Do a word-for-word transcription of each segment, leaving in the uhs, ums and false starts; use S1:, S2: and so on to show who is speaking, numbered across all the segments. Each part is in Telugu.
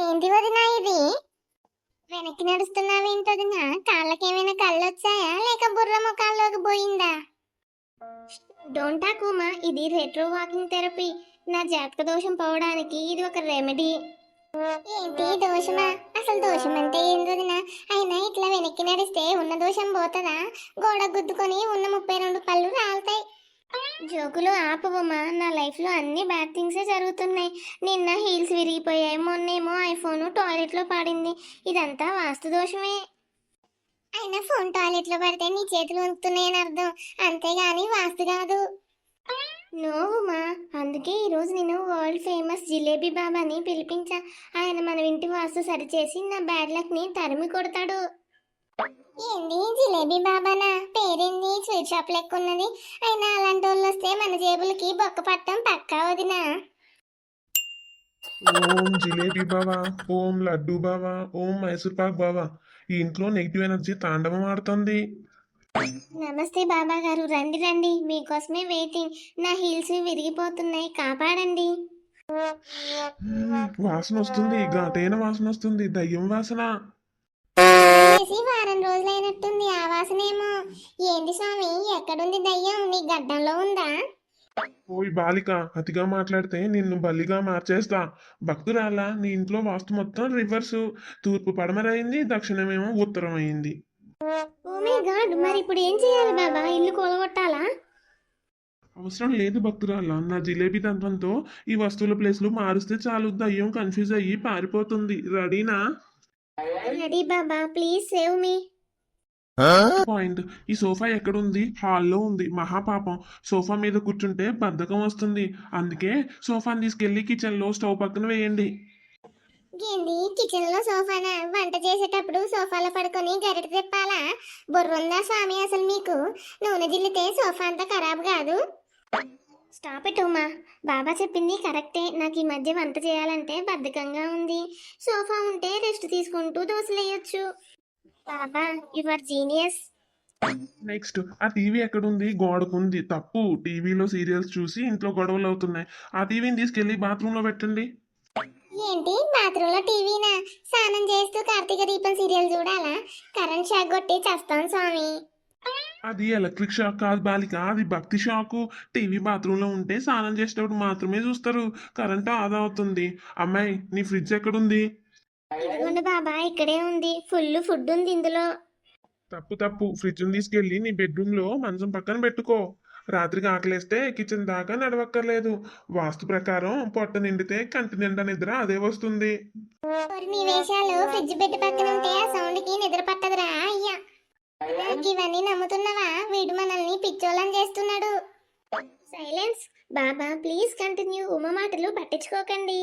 S1: ఏంటి వదినా ఇది? వెనక్కి నడుస్తున్నావేంటొదినా? కాళ్ళకేమైనా కళ్ళు వచ్చాయా లేక బుర్ర ముఖాల్లోకి పోయిందా? డోంట్ టాక్ ఉమా, ఇది రెట్రో వాకింగ్ థెరపీ. నా జాతక దోషం పోవడానికి ఇది ఒక రెమెడీ. ఏంటి దోషమా? అసలు దోషం అంటే ఏంటొదినా? అయినా ఇట్లా వెనక్కి నడిస్తే ఉన్న దోషం పోతుందా? గోడ గుద్దుకొని ఉన్న ముప్పై రెండు పళ్ళు రాలుతాయి. జోకులు ఆపవమ్మా, నా లైఫ్లో అన్ని బ్యాడ్ థింగ్సే జరుగుతున్నాయి. నిన్న హీల్స్ విరిగిపోయాయి, మొన్నేమో ఐఫోన్ టాయిలెట్లో పడింది. ఇదంతా వాస్తు దోషమే. అయినా ఫోన్ టాయిలెట్లో పడితే నీ చేతులు వణుకుతున్నాయని అర్థం, అంతేగాని వాస్తు కాదు. నోవుమా, అందుకే ఈరోజు నేను వరల్డ్ ఫేమస్ జిలేబీ బాబాని పిలిపించా. ఆయన మన ఇంటి వాస్తు సరిచేసి నా బ్యాడ్ లక్ని తరిమి కొడతాడు. ఏంది జిలేబీ బాబానా? పేరేంది స్వీట్ షాప్ లెక్క ఉన్నది. అయినా అలాంటి వాళ్ళు వస్తే మన జేబులకి బొక్క పట్టం పక్కా వదినా.
S2: ఓం జిలేబీ బావా, ఓం లడ్డు బావా, ఓం మైసూర్ పాక్ బావా. ఈ ఇంట్లో నెగిటివ్ ఎనర్జీ తాండవం ఆడుతుంది.
S1: నమస్తే బాబా గారు, రండి రండి, మీకోసమే వెయిటింగ్. నా హీల్స్ విరిగిపోతున్నాయి, కాపాడండి.
S2: మ్మ్, వాసన వస్తుంది, ఘాటైన వాసన వస్తుంది, దయ్యం వాసన.
S1: చేసి వారం రోజులైనట్టుంది, ఆ వాసనేమో. ఏంది స్వామి, ఎక్కడుంది దయ్యం? నీ గడ్డంలో ఉందా?
S2: ఓయ్ బాలిక, అతిగా మాట్లాడితే నిన్ను బలిగా మార్చేస్తా. భక్తురాలా, నీ ఇంట్లో వాస్తు మొత్తం రివర్సు. తూర్పు పడమరైంది, దక్షిణమేమో ఉత్తరం అయింది.
S1: ఓ మై గాడ్, మరి ఇప్పుడు ఏం చేయాలి బాబా? ఇల్లు కూలగొట్టాలా?
S2: అవసరం లేదు భక్తురాలా, నా జిలేబీ తంత్రంతో ఈ వస్తువుల ప్లేస్లు మారుస్తే చాలు, దయ్యం కన్ఫ్యూజ్ అయ్యి పారిపోతుంది. రెడీనా?
S1: రెడీ బాబా, ప్లీజ్ సేవ్ మీ.
S2: పాయింట్, ఈ సోఫా ఎక్కడుంది? హాల్లో ఉంది. మహాపాపం, సోఫా మీద కూర్చుంటే బద్ధకం వస్తుంది. అందుకే సోఫాని తీసుకెళ్లి కిచెన్ లో స్టవ్ పక్కన వేయండి.
S1: ఏంది కిచెన్ లో సోఫానా? వంట చేసేటప్పుడు సోఫాలో పడుకొని గరిట తిప్పాలా? బుర్రుందా స్వామి అసలు మీకు? నూనె జిల్లితే సోఫా అంతా ఖరాబ్ కాదు. స్టాప్ ఇట్ ఉమా, బాబా చెప్పింది కరెక్టే. నాకు ఈ మధ్య వంట చేయాలంటే బద్ధకంగా ఉంది. సోఫా ఉంటే రెస్ట్ తీసుకుంటూ దోశలేయొచ్చు. బాబా, యు ఆర్ జీనియస్.
S2: నెక్స్ట్, ఆ టీవీ ఎక్కడుంది? గోడకుంది. తప్పు, టీవీలో సీరియల్స్ చూసి ఇంట్లో గొడవలు అవుతున్నాయి. ఆ టీవీని తీసుకెళ్లి బాత్రూమ్ లో పెట్టండి.
S1: ఏంటి బాత్రూమ్ లో టీవీనా? స్నానం చేస్తూ కార్తీక దీపం సీరియల్ చూడాలా? కరెంట్ షాక్ కొట్టి చస్తాం స్వామి.
S2: అది ఎలక్ట్రిక్ షాక్ కాదు బాలిక, అది భక్తి షాకు. టీవీ బాత్రూమ్ లో ఉంటే స్నానం చేసేటప్పుడు మాత్రమే చూస్తారు, కరెంట్ ఆదా అవుతుంది. అమ్మాయి, నీ ఫ్రిడ్జ్ ఎక్కడుంది?
S1: ఇదిగోండి బాబా, ఇక్కడే ఉంది. ఫుల్ ఫుడ్ ఉంది ఇందులో.
S2: తప్పు తప్పు, ఫ్రిడ్జ్ తీసుకెళ్లి నీ బెడ్రూమ్ లో మంచం పక్కన పెట్టుకో. రాత్రికి ఆకలేస్తే కిచెన్ దాకా నడవక్కర్లేదు. వాస్తు ప్రకారం పొట్ట నిండితే కంటి నిండా నిద్ర అదే వస్తుంది.
S1: మరి నీ వేషాలు ఫ్రిడ్జ్ బెడ్ పక్కన ఉంటే ఆ సౌండ్ కి నిద్ర పట్టదురా అయ్యా. ఇవన్నీ నమ్ముతున్నావా? వీడు మనల్ని పిచ్చోళ్ళని చేస్తున్నాడు. సైలెన్స్ బాబా, ప్లీజ్ కంటిన్యూ. ఉమ మాటలు పట్టించుకోకండి.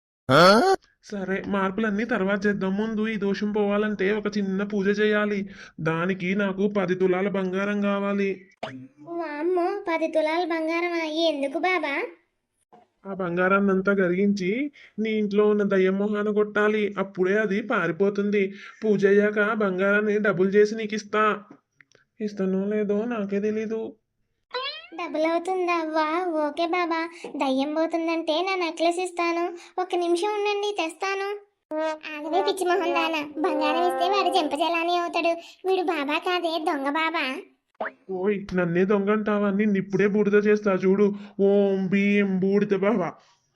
S2: సరే, మార్పులన్నీ తర్వాత చేద్దాం. ముందు ఈ దోషం పోవాలంటే ఒక చిన్న పూజ చేయాలి. దానికి నాకు పది తులాల బంగారం కావాలి.
S1: వామ్మో, పది తులాల బంగారం ఎందుకు బాబా?
S2: ఆ బంగారాన్ని అంతా కరిగించి నీ ఇంట్లో ఉన్న దయ్యం మొహాన కొట్టాలి. అప్పుడే అది పారిపోతుంది. పూజ అయ్యాక బంగారాన్ని డబుల్ చేసి నీకు ఇస్తా. ఇస్తానో లేదో నాకే తెలీదు.
S1: డబుల్ అవుతుందా? వా, ఓకే బాబా. దయ్యం పోతుందంటే నా నెక్లెస్ ఇస్తాను. ఒక నిమిషం ఉండండి, తెస్తాను. ఆగవే పిచ్చి మొహం దానా, బంగారం ఇస్తే వాడు చెంపజలాని అవుతాడు. వీడు బాబా కాదే, దొంగ బాబా.
S2: ఓయ్, నన్నే దొంగ అంటావా? నిన్ను ఇప్పుడే బూడిద చేస్తా చూడు. ఓం భీం బూడిద బావా.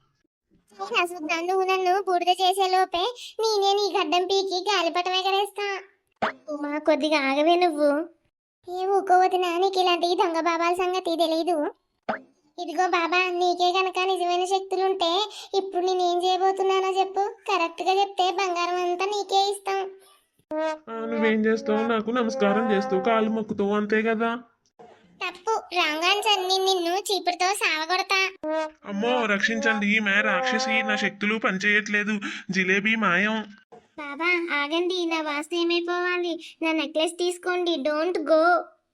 S1: నువ్వు నన్ను బూడిద చేసే లోపే నేనే నీ గడ్డం పీకి గాలిపటం ఎగరేస్తా. ఉమా, కొద్దిగా ఆగవే నువ్వు. ఏ ఊకోవద్దునా, నీకు ఇలాంటి దొంగ బాబాల సంగతి తెలీదు. ఇదిగో బాబా, నీకే గనక నిజమైన శక్తులుంటే ఇప్పుడు నేనేం చేయబోతున్నానో చెప్పు. కరెక్ట్ గా చెప్తే బంగారం అంతా నీకే ఇస్తాం.
S2: ఆ, నువ్వేం చేస్తావు? నాకు నమస్కారం చేస్తావు, కాలు మొక్కుతావు, అంతే కదా?
S1: తప్పు, రాంగ్ ఆన్సర్. నేను నిన్ను చీపురుతో సావగొడతా.
S2: అమ్మో రక్షించండి, ఈమె రాక్షసి, నా శక్తులు పనిచేయట్లేదు, జిలేబీ మాయం.
S1: బాబా ఆగండి, నా వాస్తు ఏమైపోవాలి. నా నెక్లెస్ తీసుకోండి, డోంట్ గో.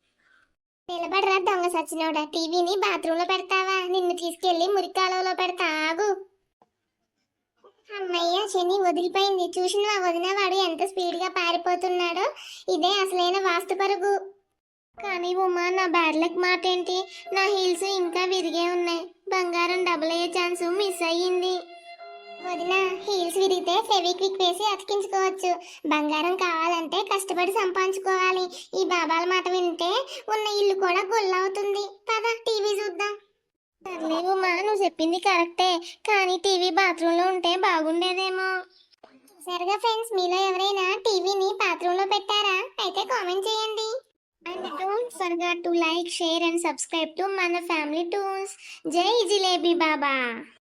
S1: నిలబడరా దొంగ సచ్చినోడా, టీవీని బాత్రూమ్ లో పెడతావా? నిన్ను తీసుకెళ్లి మురికాలలో పెడతా, ఆగు. అమ్మయ్య, శని వదిలిపోయింది. చూసిన వదిన వాడు ఎంత స్పీడ్ గా పారిపోతున్నాడో. ఇదే అసలైన వాస్తు పరుగు. కానీ ఉమా, నా బ్యాడ్ లక్ మాట ఏంటి? నా హీల్స్ ఇంకా విరిగే ఉన్నాయి. బంగారం డబుల్ అయ్యే ఛాన్స్ మిస్ అయ్యింది. వదిన హీల్స్ విరిగితే ఫెవిక్విక్ వేసి అతికించుకోవచ్చు. బంగారం కావాలంటే కష్టపడి సంపాదించుకోవాలి. ఈ బాబాల మాట వింటే ఉన్న ఇల్లు కూడా గొల్లవుతుంది. పద టీవీ చూద్దాం. సర్లే ఉమా, నువ్వు చెప్పింది కరెక్టే, కానీ టీవీ బాత్రూంలో ఉంటే బాగుండేదేమో. సరిగా ఫ్రెండ్స్, మీలో ఎవరైనా టీవీని బాత్రూంలో పెట్టారా? అయితే కామెంట్ చేయండి. And don't forget to like, share and subscribe to మన ఫ్యామిలీ టూన్స్. జై జిలేబీ బాబా.